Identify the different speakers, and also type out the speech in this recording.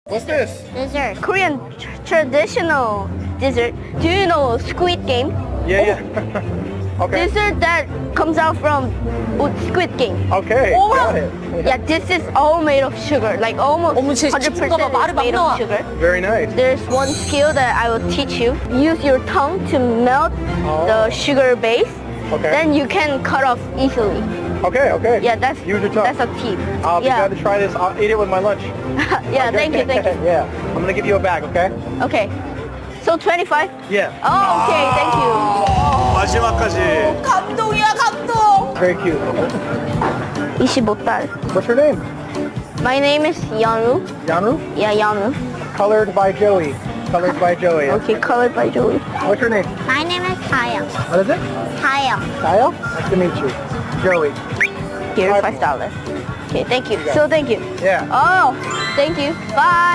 Speaker 1: What's this?
Speaker 2: Dessert. Korean traditional dessert. Do you know Squid Game?
Speaker 1: Yeah. Okay.
Speaker 2: Dessert that comes out from Squid Game.
Speaker 1: Okay.
Speaker 2: Oh,
Speaker 1: Got it.
Speaker 2: Yeah, this is all made of sugar. Like almost
Speaker 3: 어머, 쟤
Speaker 2: 100%
Speaker 3: 기분가 봐. 말이
Speaker 2: is
Speaker 3: 막
Speaker 2: made
Speaker 3: 나와.
Speaker 2: of sugar.
Speaker 1: Very nice.
Speaker 2: There's one skill that I will teach you. Use your tongue to melt the sugar base.
Speaker 1: Okay.
Speaker 2: Then you can cut off easily.
Speaker 1: Okay.
Speaker 2: Yeah, that's
Speaker 1: Use your tongue.
Speaker 2: That's a tip.
Speaker 1: I'll be
Speaker 2: yeah.
Speaker 1: glad to try this. I'll eat it with my lunch.
Speaker 2: Yeah, thank you.
Speaker 1: Yeah. I'm gonna give you a bag. Okay.
Speaker 2: Okay. So 25?
Speaker 1: Yeah.
Speaker 2: Oh, okay, thank you.
Speaker 4: 마지막까지.
Speaker 3: 감동이야, 감동.
Speaker 1: Very cute.
Speaker 2: 25달.
Speaker 1: What's your name?
Speaker 2: My name is Yanu.
Speaker 1: Yanru.
Speaker 2: Yeah, Yanu.
Speaker 1: Colored by Joey. Colored by Joey.
Speaker 2: Okay, colored by Joey.
Speaker 1: What's your name?
Speaker 2: My name is Kaya.
Speaker 1: What is it?
Speaker 2: Kaya.
Speaker 1: Kyle. Nice to meet you. Joey.
Speaker 2: Here's
Speaker 1: Bye.
Speaker 2: $5. Okay, thank you. So thank you.
Speaker 1: Yeah.
Speaker 2: Oh, thank you. Bye.